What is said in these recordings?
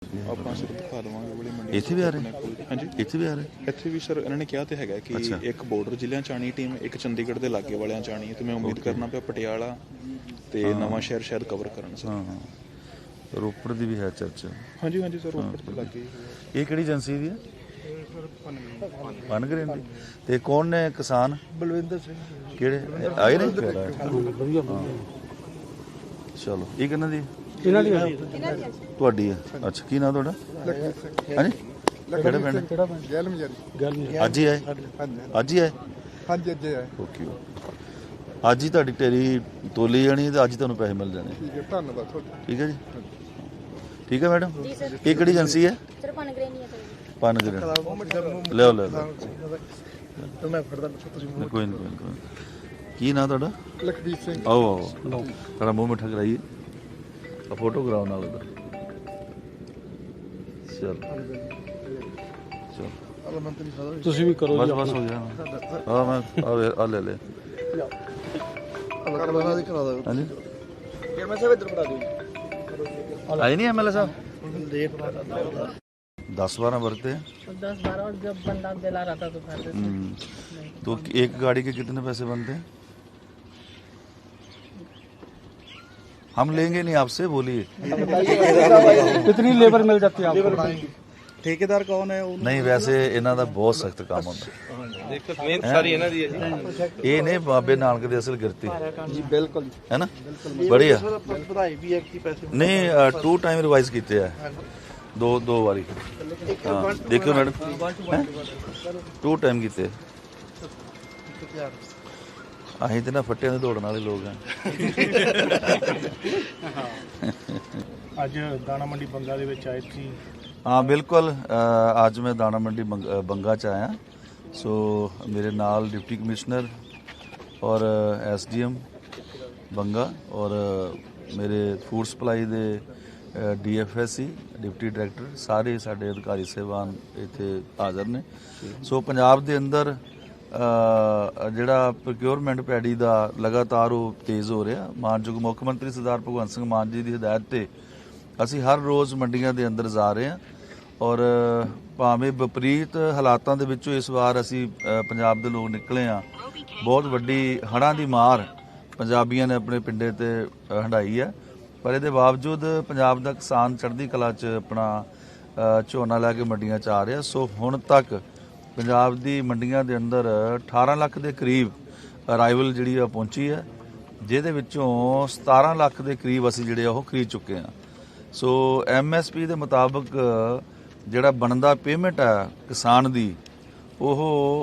ਆਪਾਂ ਸਿਰ ਦਿਖਾ ਦੇਵਾਂਗੇ ਵਾਲੀ ਮੰਡੀ ਇੱਥੇ ਵੀ ਆ ਰਹੇ? ਹਾਂਜੀ ਇੱਥੇ ਵੀ ਆ ਰਹੇ? ਇੱਥੇ ਵੀ ਸਰ ਇਹਨਾਂ ਨੇ ਕਿਹਾ ਤੇ ਹੈਗਾ ਕਿ ਇੱਕ ਬਾਰਡਰ ਜ਼ਿਲ੍ਹਿਆਂ ਚ ਆਣੀ ਟੀਮ, ਇੱਕ ਚੰਡੀਗੜ੍ਹ ਦੇ ਲਾਗੇ ਵਾਲਿਆਂ ਚ ਆਣੀ ਹੈ, ਤੇ ਮੈਂ ਉਮੀਦ ਕਰਨਾ ਪਿਆ ਪਟਿਆਲਾ ਤੇ ਨਵਾਂ ਸ਼ਹਿਰ ਸ਼ਾਇਦ ਕਵਰ ਕਰਨ ਸਰ। ਹਾਂ ਰੋਪੜ ਦੀ ਵੀ ਹੈ ਚਰਚਾ। ਹਾਂਜੀ ਹਾਂਜੀ ਸਰ ਰੋਪੜ ਦੇ ਲਾਗੇ। ਇਹ ਕਿਹੜੀ ਏਜੰਸੀ ਦੀ ਹੈ? ਪਨਗਰੇਨ ਦੀ। ਤੇ ਕੌਣ ਨੇ ਕਿਸਾਨ? ਬਲਵਿੰਦਰ ਸਿੰਘ। ਕਿਹੜੇ ਆਏ ਨੇ? ਚਲੋ ਇਹ ਕਿਹਨਾਂ ਦੀ? ਇਹਨਾਂ ਦੀ ਤੁਹਾਡੀ ਹੈ? ਅੱਛਾ ਕੀ ਨਾਮ ਤੁਹਾਡਾ? ਹਾਂਜੀ ਕਿਹੜਾ ਪਿੰਡ? ਗੈਲ ਮਜਾਰੀ। ਅੱਜ ਹੀ ਆਏ? ਅੱਜ ਹੀ ਆਏ? ਹਾਂਜੀ ਅੱਜ ਆਏ। ਓਕੇ ਅੱਜ ਹੀ ਤੁਹਾਡੀ ਢੇਰੀ ਤੋਲੀ ਜਾਣੀ ਤੇ ਅੱਜ ਤੁਹਾਨੂੰ ਪੈਸੇ ਮਿਲ ਜਾਣੇ। ਠੀਕ ਹੈ ਧੰਨਵਾਦ ਤੁਹਾਡਾ। ਠੀਕ ਹੈ ਜੀ। ਠੀਕ ਹੈ ਮੈਡਮ। ਇਹ ਕਿਹੜੀ ਏਜੰਸੀ ਹੈ? ਪਨਗਰੇਨ। ਲਿਓ ਲੈ ਲਓ। ਮੈਂ ਫੜਦਾ ਤੁਸੀਂ। ਕੋਈ ਨਹੀਂ ਕੀ ਨਾਮ ਤੁਹਾਡਾ? ਲਖਬੀਰ ਸਿੰਘ। ਆਓ ਆਓ ਤੁਹਾਡਾ ਮੂੰਹ ਮਿੱਠਾ ਕਰਾਈਏ। ਆ ਫੋਟੋ ਕਰਾਓ ਨਾਲ ਉਧਰ। ਚਲ ਚਲ ਤੁਸੀਂ ਵੀ ਕਰੋ ਬਸ ਬਸ ਹੋ ਗਿਆ। ਹਾਂ ਮੈਂ ਆ ਲੈ ਲੈ। ਹਾਂਜੀ ਮੈਂ ਸਭ ਇੱਧਰ ਬਣਾ ਦਿਓ। ਆਏ ਨਹੀਂ ਐਮਐਲਏ ਸਾਹਿਬ? 10-12 बरते हैं। 10-12 और जब बंदा दिला रहा था तो खाते थे। तो एक गाड़ी के कितने पैसे बनते हैं? हम लेंगे नहीं आपसे, बोलिए। कितनी लेबर मिल जाती है आपको? ठेकेदार कौन है? नहीं वैसे इन्हों का बहुत सख्त काम होता देखो मेहनत सारी इन्हां दी है जी। ये ने बाबे नानक दे असल गिरती जी बिल्कुल है ना। बढ़िया ਵਧਾਈ ਵੀ ਹੈ ਕਿ ਪੈਸੇ नहीं 2 टाइम रिवाइज किए है। दो बारी। हाँ देखो मैडम 2 टाइम किए। ਅਸੀਂ ਤੇ ਨਾ ਫੱਟਿਆਂ ਦੇ ਦੌੜਨ ਵਾਲੇ ਲੋਕ ਹਾਂ। ਅੱਜ ਦਾਣਾ ਮੰਡੀ ਬੰਗਾ ਦੇ ਵਿੱਚ ਆਏ ਸੀ। हाँ बिल्कुल अज मैं दाना मंडी बंगा च आया। सो मेरे नाल डिप्टी कमिश्नर और SDM बंगा और मेरे फूड सप्लाई दे DFSC डिप्टी डायरैक्टर सारे साडे अधिकारी साहिबान इत्थे हाज़र ने। सो पंजाब दे अंदर जिहड़ा प्रोक्योरमेंट पैडी दा लगातार वो तेज़ हो रहा। मानयोग मुख मंत्री सरदार भगवंत सिंह मान जी की हिदायत ते ਅਸੀਂ ਹਰ ਰੋਜ਼ ਮੰਡੀਆਂ ਦੇ ਅੰਦਰ ਜਾ ਰਹੇ ਹਾਂ ਔਰ ਭਾਵੇਂ ਵਿਪਰੀਤ ਹਾਲਾਤਾਂ ਦੇ ਵਿੱਚੋਂ ਇਸ ਵਾਰ ਅਸੀਂ ਪੰਜਾਬ ਦੇ ਲੋਕ ਨਿਕਲੇ ਆ। ਬਹੁਤ ਵੱਡੀ ਹੜ੍ਹਾਂ ਦੀ ਮਾਰ ਪੰਜਾਬੀਆਂ ਨੇ ਆਪਣੇ ਪਿੰਡੇ ਤੇ ਹੰਢਾਈ ਹੈ, ਪਰ ਇਹਦੇ ਬਾਵਜੂਦ ਪੰਜਾਬ ਦਾ ਕਿਸਾਨ ਚੜ੍ਹਦੀ ਕਲਾ 'ਚ ਆਪਣਾ ਝੋਨਾ ਲੈ ਕੇ ਮੰਡੀਆਂ 'ਚ ਆ ਰਿਹਾ। ਸੋ ਹੁਣ ਤੱਕ ਪੰਜਾਬ ਦੀ ਮੰਡੀਆਂ ਦੇ ਅੰਦਰ 18 ਲੱਖ ਦੇ ਕਰੀਬ ਅਰਾਈਵਲ ਜਿਹੜੀ ਆ ਪਹੁੰਚੀ ਹੈ, ਜਿਹਦੇ ਵਿੱਚੋਂ 17 ਲੱਖ ਦੇ ਕਰੀਬ ਅਸੀਂ ਜਿਹੜੇ ਉਹ ਖਰੀਦ ਚੁੱਕੇ ਹਾਂ। ਸੋ MSP ਦੇ ਮੁਤਾਬਕ ਜਿਹੜਾ ਬਣਦਾ ਪੇਮੈਂਟ ਹੈ ਕਿਸਾਨ ਦੀ ਉਹ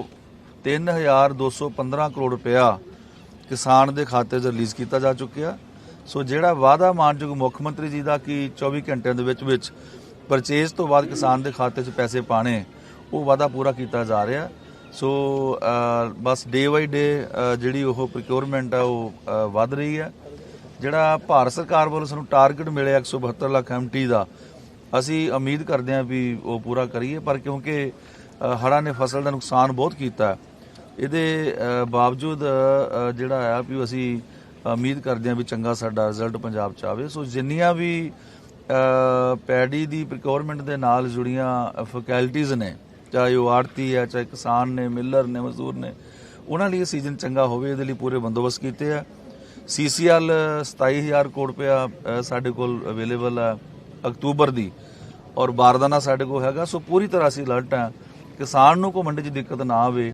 3215 ਕਰੋੜ ਰੁਪਇਆ ਕਿਸਾਨ ਦੇ ਖਾਤੇ 'ਚ ਰਿਲੀਜ਼ ਕੀਤਾ ਜਾ ਚੁੱਕਿਆ। ਸੋ ਜਿਹੜਾ ਵਾਅਦਾ ਮਾਨਯੋਗ ਮੁੱਖ ਮੰਤਰੀ ਜੀ ਦਾ ਕਿ 24 ਘੰਟਿਆਂ ਦੇ ਵਿੱਚ ਪਰਚੇਜ਼ ਤੋਂ ਬਾਅਦ ਕਿਸਾਨ ਦੇ ਖਾਤੇ 'ਚ ਪੈਸੇ ਪਾਣੇ, ਉਹ ਵਾਅਦਾ ਪੂਰਾ ਕੀਤਾ ਜਾ ਰਿਹਾ। ਸੋ ਬਸ ਡੇ ਬਾਈ ਡੇ ਜਿਹੜੀ ਉਹ ਪ੍ਰੋਕਿਉਰਮੈਂਟ ਹੈ ਉਹ ਵੱਧ ਰਹੀ ਹੈ। ਜਿਹੜਾ ਭਾਰਤ ਸਰਕਾਰ ਵੱਲੋਂ ਸਾਨੂੰ ਟਾਰਗੇਟ ਮਿਲਿਆ 172 ਲੱਖ MT ਦਾ, ਅਸੀਂ ਉਮੀਦ ਕਰਦੇ ਹਾਂ ਵੀ ਉਹ ਪੂਰਾ ਕਰੀਏ। ਪਰ ਕਿਉਂਕਿ ਹੜ੍ਹਾਂ ਨੇ ਫਸਲ ਦਾ ਨੁਕਸਾਨ ਬਹੁਤ ਕੀਤਾ, ਇਹਦੇ ਬਾਵਜੂਦ ਜਿਹੜਾ ਆ ਵੀ ਅਸੀਂ ਉਮੀਦ ਕਰਦੇ ਹਾਂ ਵੀ ਚੰਗਾ ਸਾਡਾ ਰਿਜ਼ਲਟ ਪੰਜਾਬ 'ਚ ਆਵੇ। ਸੋ ਜਿੰਨੀਆਂ ਵੀ ਪੈਡੀ ਦੀ ਪ੍ਰੋਕਿਉਰਮੈਂਟ ਦੇ ਨਾਲ ਜੁੜੀਆਂ ਫੈਕਲਟੀਜ਼ ਨੇ, ਚਾਹੇ ਉਹ ਆੜਤੀ ਹੈ, ਚਾਹੇ ਕਿਸਾਨ ਨੇ, ਮਿਲਰ ਨੇ, ਮਜ਼ਦੂਰ ਨੇ, ਉਹਨਾਂ ਲਈ ਸੀਜ਼ਨ ਚੰਗਾ ਹੋਵੇ, ਇਹਦੇ ਲਈ ਪੂਰੇ ਬੰਦੋਬਸਤ ਕੀਤੇ ਆ। CCL 27000 ਕਰੋੜ ਰੁਪਇਆ ਸਾਡੇ ਕੋਲ ਅਵੇਲੇਬਲ ਹੈ ਅਕਤੂਬਰ ਦੀ, ਔਰ ਬਾਰਦਾਨਾ ਸਾਡੇ ਕੋਲ ਹੈਗਾ। ਸੋ ਪੂਰੀ ਤਰ੍ਹਾਂ ਅਸੀਂ ਅਲਰਟ ਹਾਂ, ਕਿਸਾਨ ਨੂੰ ਕੋਈ ਮੰਡੀ 'ਚ ਦਿੱਕਤ ਨਾ ਆਵੇ।